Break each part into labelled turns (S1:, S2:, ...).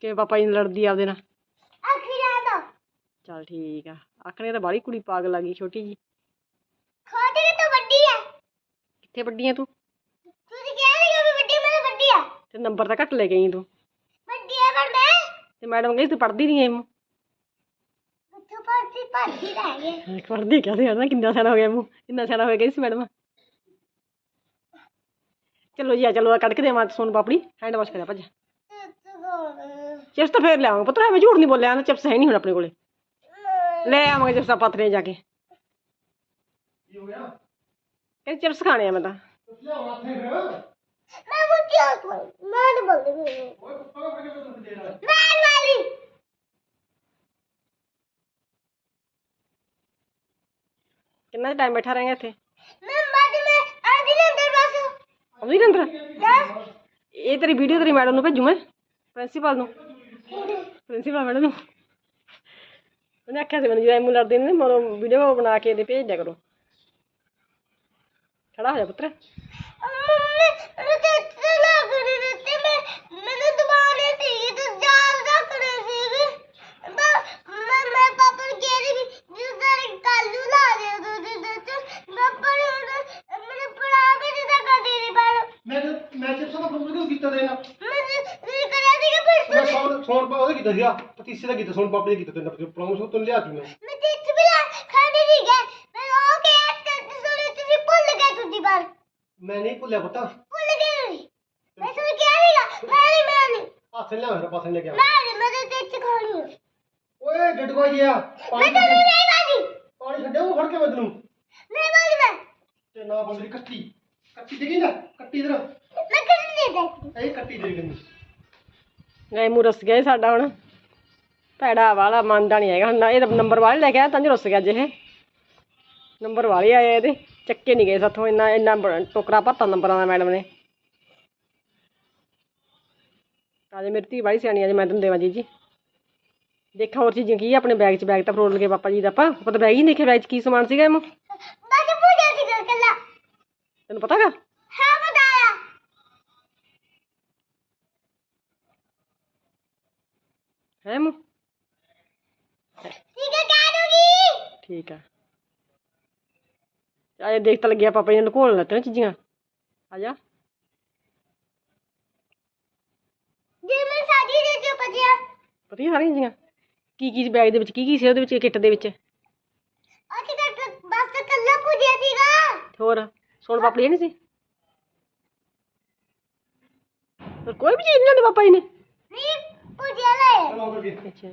S1: कि पापा जी लड़दी आपदे नाल? चल ठीक है। आखने तो बाहली कुड़ी पागल आ गई छोटी जी। कित्थे वड्डी है तू? ते नंबर तो घट लेके आई तू। ते मैडम कही तू पढ़दी नहीं है। पढ़दी क्या थे किन्ना सारा हो गया मूँ इन्ना सारा हो गया इस मैडम। चलो जी चलो कट के देवां सोन पापड़ी हैंड वाश करें भज। चिप्स तो फिर लियावांगे पुत्तर मैं झूठ नहीं बोलिया चिप्स है नहीं हुण अपने कोले ले आवांगे चिप्स पाथरे जाके चिप्स खाने मैं तो कितना टाइम बैठा रहेंगे इत्थे ये तेरी वीडियो तेरी मैडम नूं भेजू मैं प्रिंसीपल नूं प्रिंसीपल मैडम नूं उन्हें आख्या मैंने जो एमू लड़दे ने मरो वीडियो बना के भेज दिया करो। खड़ा हो जा पुत्र।
S2: पतीसे का कीता सोन पापड़ी कीता तेन प्रमोशन तो लिया तूने
S3: मैं चिप्स भी ला खाने नहीं गया मैं ओ के याद करते सोने तुझे भूल गया तुझी बार
S2: मैं नहीं भूलिया पुत्ता
S3: भूल गया नहीं मैं सुन के आएगा मैं
S2: हाथ ले मेरा पास ले गया
S3: मैं तो चिप्स खानी है
S2: ओए डडवा गया
S3: मैं तो नहीं खानी
S2: पानी छड्डे वो फड़ के मैं तन्नू
S3: नहीं वाली मैं
S2: ते ना बंदरी कट्टी कट्टी देगी ना कट्टी इधर
S3: मैं कुछ नहीं देखती
S2: ए कट्टी दे गई
S1: गए मूँ रुस गए साडा हुण भैड़ा वाला मानदा नहीं हैगा हुण ये नंबर वाले लैके आया तां रुस गया अज ये नंबर वाले आए ये चक्के नहीं गए साथों इन्ना इन्ना टोकरा भरता नंबरां दा मैडम ने। अज मेरी धी बड़ी सियानी अज मैं तुम देवां जी देखा होर चीज़ां की अपने बैग च बैग तो फरोल लगे पापा जी दा आपां पता बैग ही नहीं देखे बैग च की समान सीगा एमू तेन पता गा है एमू ठीक है अजे देख तो लगे पापा जी ने लुकोन लत्ते चीज़ां आ जा पता सारियां चीज़ां की बैग दे विच की सी उहदे विच किट दे विच होर सोन पापड़ी नहीं सी कोई भी चीज़ नहीं लांदे पापा जी ने अच्छा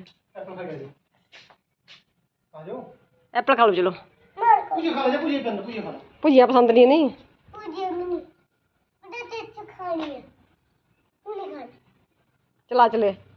S2: आ जाओ
S1: एप्पल खा लो चलो
S2: पूजा खा ले पूजा करना पूजा खा
S1: भुजिया पसंद नहीं नहीं चला चले